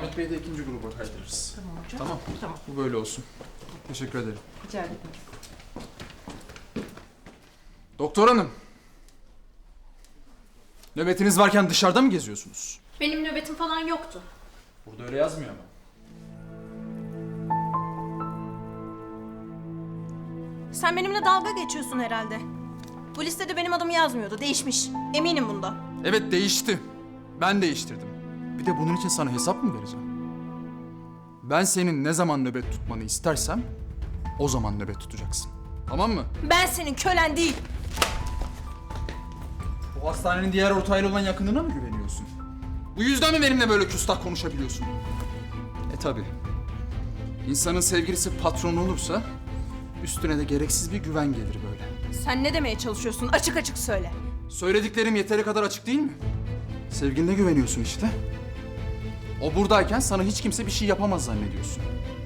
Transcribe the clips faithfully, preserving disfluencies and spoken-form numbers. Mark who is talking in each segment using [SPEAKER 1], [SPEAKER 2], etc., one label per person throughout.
[SPEAKER 1] Ahmet Bey'i de ikinci gruba kaydırırız.
[SPEAKER 2] Tamam hocam.
[SPEAKER 1] Tamam.
[SPEAKER 2] Tamam.
[SPEAKER 1] Bu böyle olsun. Teşekkür ederim.
[SPEAKER 2] Rica ederim.
[SPEAKER 1] Doktor hanım. Nöbetiniz varken dışarıda mı geziyorsunuz?
[SPEAKER 3] Benim nöbetim falan yoktu.
[SPEAKER 1] Burada öyle yazmıyor ama.
[SPEAKER 3] Sen benimle dalga geçiyorsun herhalde. Bu listede benim adım yazmıyordu. Değişmiş. Eminim bundan.
[SPEAKER 1] Evet değişti. Ben değiştirdim. Bir de bunun için sana hesap mı vereceğim? Ben senin ne zaman nöbet tutmanı istersem o zaman nöbet tutacaksın. Tamam mı?
[SPEAKER 3] Ben senin kölen değil.
[SPEAKER 1] Bu hastanenin diğer ortağıyla olan yakınlığına mı güveniyorsun? Bu yüzden mi benimle böyle küstah konuşabiliyorsun? E tabi. İnsanın sevgilisi patron olursa üstüne de gereksiz bir güven gelir böyle.
[SPEAKER 3] Sen ne demeye çalışıyorsun? Açık açık söyle.
[SPEAKER 1] Söylediklerim yeteri kadar açık değil mi? Sevgiline güveniyorsun işte. O buradayken sana hiç kimse bir şey yapamaz zannediyorsun.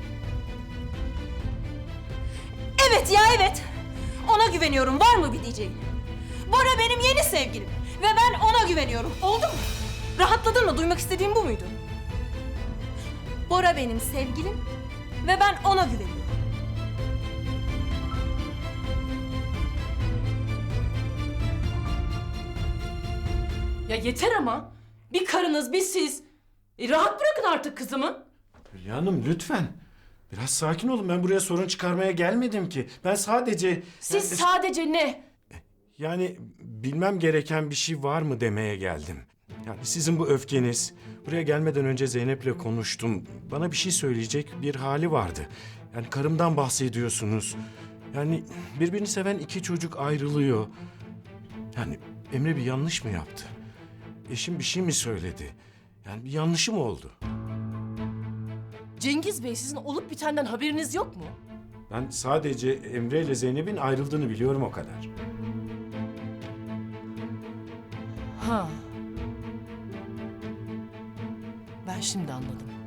[SPEAKER 3] Evet ya evet. Ona güveniyorum. Var mı bir diyeceğin? Bora benim yeni sevgilim. Ve ben ona güveniyorum. Oldu mu? Rahatladın mı? Duymak istediğim bu muydu? Bora benim sevgilim. Ve ben ona güveniyorum.
[SPEAKER 2] Ya yeter ama. Bir karınız, bir siz. E, rahat bırakın artık kızımı.
[SPEAKER 4] Hülya Hanım lütfen. Biraz sakin olun. Ben buraya sorun çıkarmaya gelmedim ki. Ben sadece...
[SPEAKER 2] Siz
[SPEAKER 4] yani,
[SPEAKER 2] sadece ne?
[SPEAKER 4] yani bilmem gereken bir şey var mı demeye geldim. Yani sizin bu öfkeniz... Buraya gelmeden önce Zeynep'le konuştum. Bana bir şey söyleyecek bir hali vardı. Yani karımdan bahsediyorsunuz. Yani birbirini seven iki çocuk ayrılıyor. Yani Emre bir yanlış mı yaptı? Eşim bir şey mi söyledi? Yani bir yanlışı mı oldu?
[SPEAKER 2] Cengiz Bey, sizin olup bitenden haberiniz yok mu?
[SPEAKER 4] Ben sadece Emre ile Zeynep'in ayrıldığını biliyorum o kadar.
[SPEAKER 2] Ha. Ben şimdi anladım.